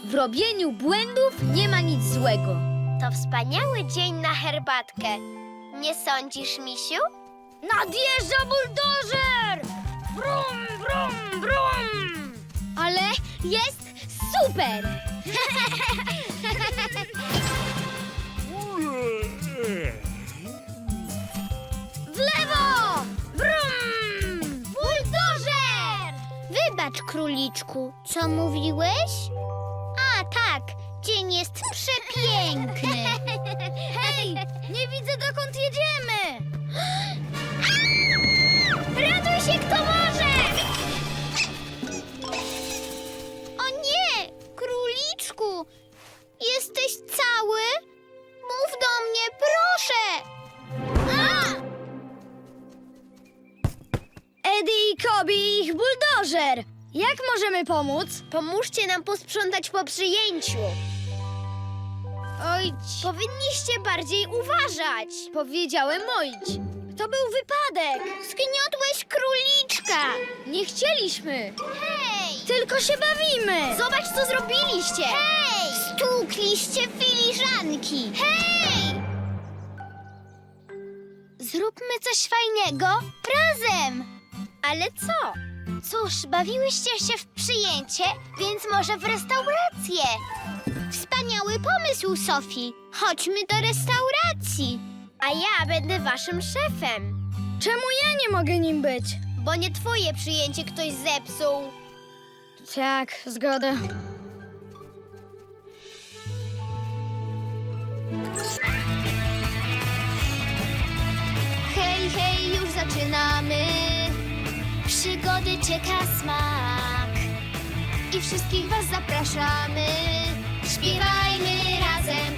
W robieniu błędów nie ma nic złego. To wspaniały dzień na herbatkę. Nie sądzisz, misiu? Nadjeżdża buldożer! Brum, brum, brum! Ale jest super! W lewo! Brum! Buldożer! Wybacz, króliczku, co mówiłeś? A, tak, dzień jest przepiękny. Hej, nie widzę, dokąd jedziemy! Ratuj się, kto może! O nie, króliczku, jesteś cały? Mów do mnie, proszę! Eddie i Kobi i ich buldożer! Jak możemy pomóc? Pomóżcie nam posprzątać po przyjęciu. Oj, Powinniście bardziej uważać. powiedziałem ojdź. To był wypadek. Zgniotłeś króliczka. Nie chcieliśmy. Hej! Tylko się bawimy. Zobacz, co zrobiliście. Hej! Stłukliście filiżanki. Hej! Zróbmy coś fajnego razem. Ale co? Cóż, bawiłyście się w przyjęcie, więc może w restaurację. Wspaniały pomysł, Sofii. Chodźmy do restauracji. A ja będę waszym szefem. Czemu ja nie mogę nim być? Bo nie twoje przyjęcie ktoś zepsuł. Tak, zgoda. Hej, hej, już zaczynamy. Przygody czeka smak. I wszystkich was zapraszamy. Śpiewajmy razem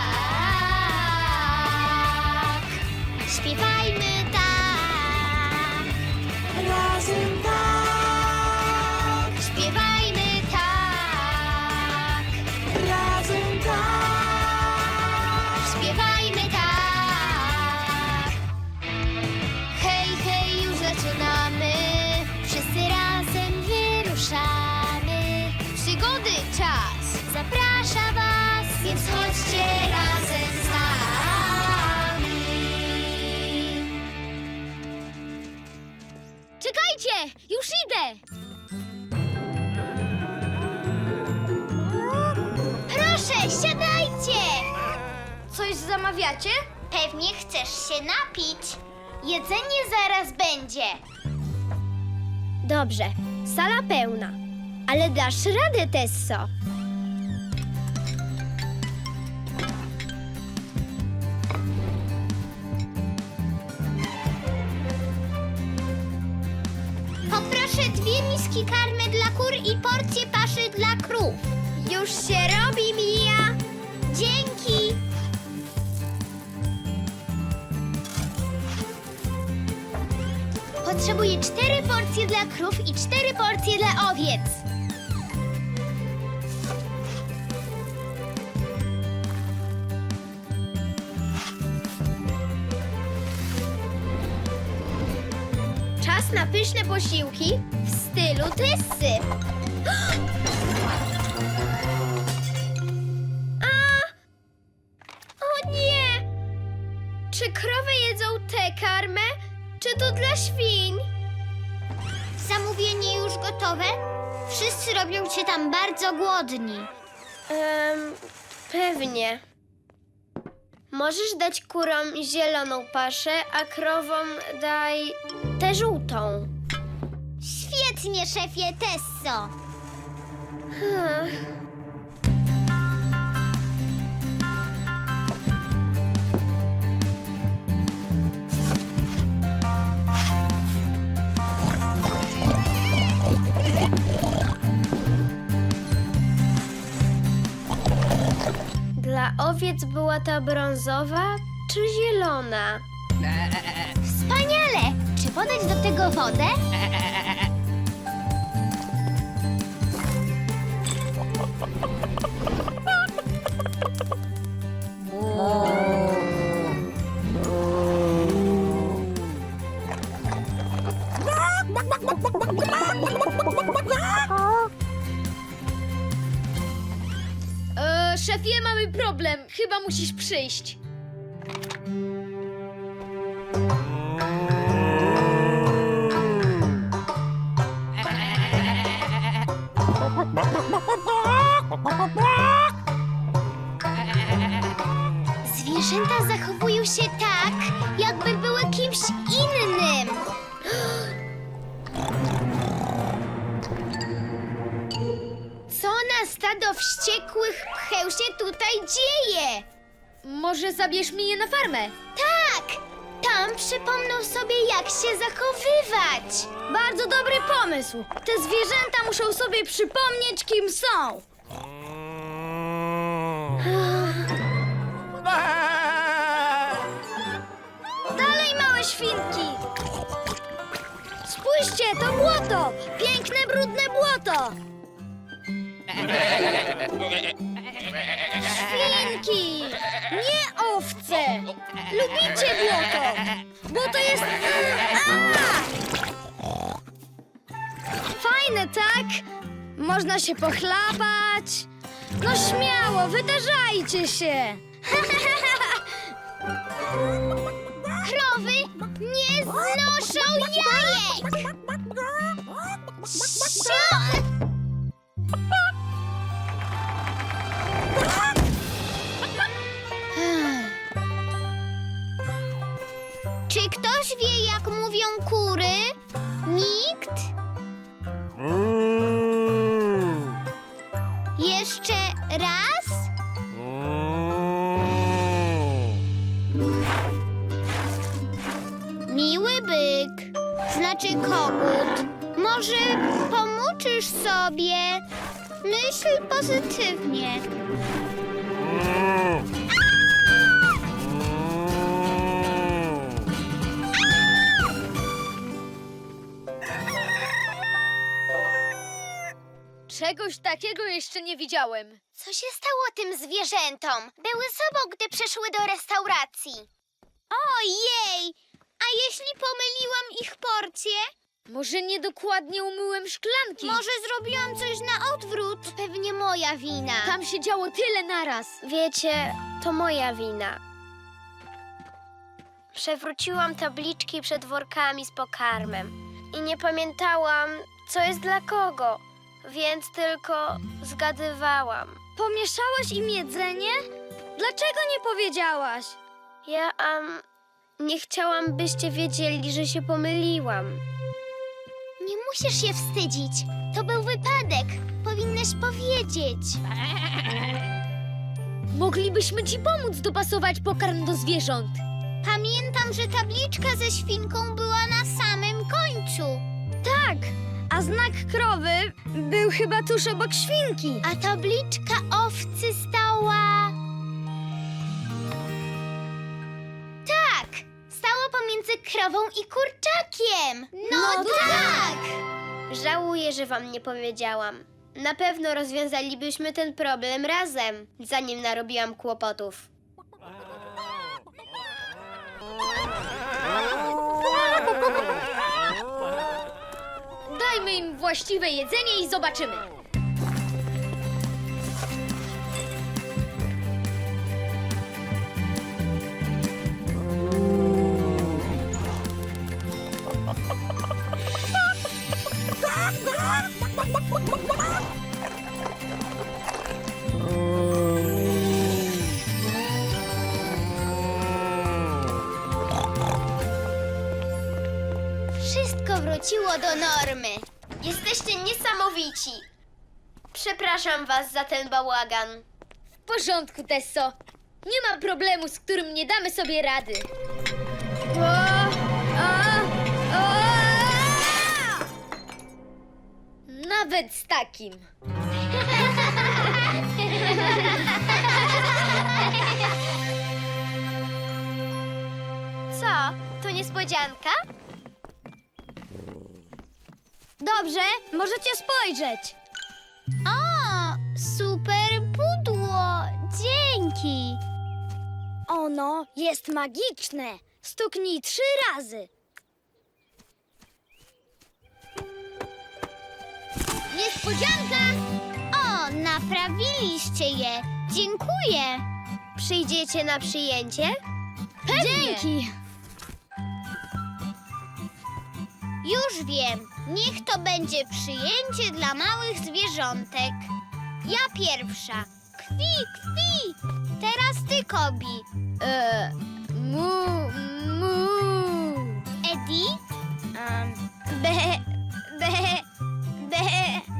tak. Śpiewajmy tak. Razem tak. Śpiewajmy tak. Razem tak. Śpiewajmy tak. Hej, hej, już zaczynamy. Wszyscy razem wyruszamy. Przygody czas zaprasza was, więc chodźcie razem z nami. Czekajcie, już idę. Proszę, siadajcie. Coś zamawiacie? Pewnie chcesz się napić. Jedzenie zaraz będzie. Dobrze, sala pełna. Ale dasz radę, Tesso. Poproszę 2 miski karmy dla kur i porcję paszy dla krów. Już się robi, Mija. Dzięki. Potrzebuję 4 porcje dla krów i 4 porcje dla owiec. Czas na pyszne posiłki w stylu Tessy. O nie! Czy krowy jedzą tę karmę, czy to dla świń? Zamówienie już gotowe? Wszyscy robią się tam bardzo głodni. Pewnie. Możesz dać kurom zieloną paszę, a krowom daj tę żółtą. Świetnie, szefie Tesso. Dla owiec była ta brązowa czy zielona? Wspaniale! Czy podać do tego wodę? szefie, mamy problem. Chyba musisz przyjść. Zwierzęta zachowują się tak, jakby były kimś innym. Co na stado wściekłych pcheł się tutaj dzieje? Może zabierz mnie je na farmę? Tak! Tam przypomną sobie, jak się zachowywać. Bardzo dobry pomysł. Te zwierzęta muszą sobie przypomnieć, kim są. Dalej, małe świnki! Spójrzcie, to błoto! Piękne, brudne błoto! Świnki! Nie owce! Lubicie błoto! Błoto jest... Fajne, tak? Można się pochlapać. No śmiało, wydarzajcie się! Krowy nie znoszą jajek! Sio! Czy ktoś wie, jak mówią kury? Nikt? Jeszcze raz? Miły byk, znaczy kogut. Może pomuczysz sobie? Myśl pozytywnie. Czegoś takiego jeszcze nie widziałem. Co się stało tym zwierzętom? Były sobą, gdy przyszły do restauracji. Ojej! A jeśli pomyliłam ich porcję? Może niedokładnie umyłem szklanki. Może zrobiłam coś na odwrót? To pewnie moja wina. Tam się działo tyle naraz. Wiecie, to moja wina. Przewróciłam tabliczki przed workami z pokarmem i nie pamiętałam, co jest dla kogo, więc tylko zgadywałam. Pomieszałeś im jedzenie? Dlaczego nie powiedziałaś? Ja, nie chciałam, byście wiedzieli, że się pomyliłam. Nie musisz się wstydzić. To był wypadek. Powinnaś powiedzieć. Moglibyśmy ci pomóc dopasować pokarm do zwierząt. Pamiętam, że tabliczka ze świnką była na samym końcu. Tak, a znak krowy był chyba tuż obok świnki. A tabliczka owcy stała... Tak! Stała pomiędzy krową i kurczakiem. No tak! Żałuję, że wam nie powiedziałam. Na pewno rozwiązalibyśmy ten problem razem, zanim narobiłam kłopotów. Dajmy im właściwe jedzenie i zobaczymy. Wszystko wróciło do normy. Jesteście niesamowici. Przepraszam was za ten bałagan. W porządku, Tesso. Nie ma problemu, z którym nie damy sobie rady. Nawet z takim. Co? To niespodzianka? Dobrze, możecie spojrzeć. O, super pudło! Dzięki! Ono jest magiczne. Stuknij 3 razy. Niespodzianka! O, na Naprawiliście je. Dziękuję. Przyjdziecie na przyjęcie? Dzięki! Już wiem. Niech to będzie przyjęcie dla małych zwierzątek. Ja pierwsza. Kwi, kwi. Teraz ty, Kobi. Mu, mu. Eddie? Be, be, be.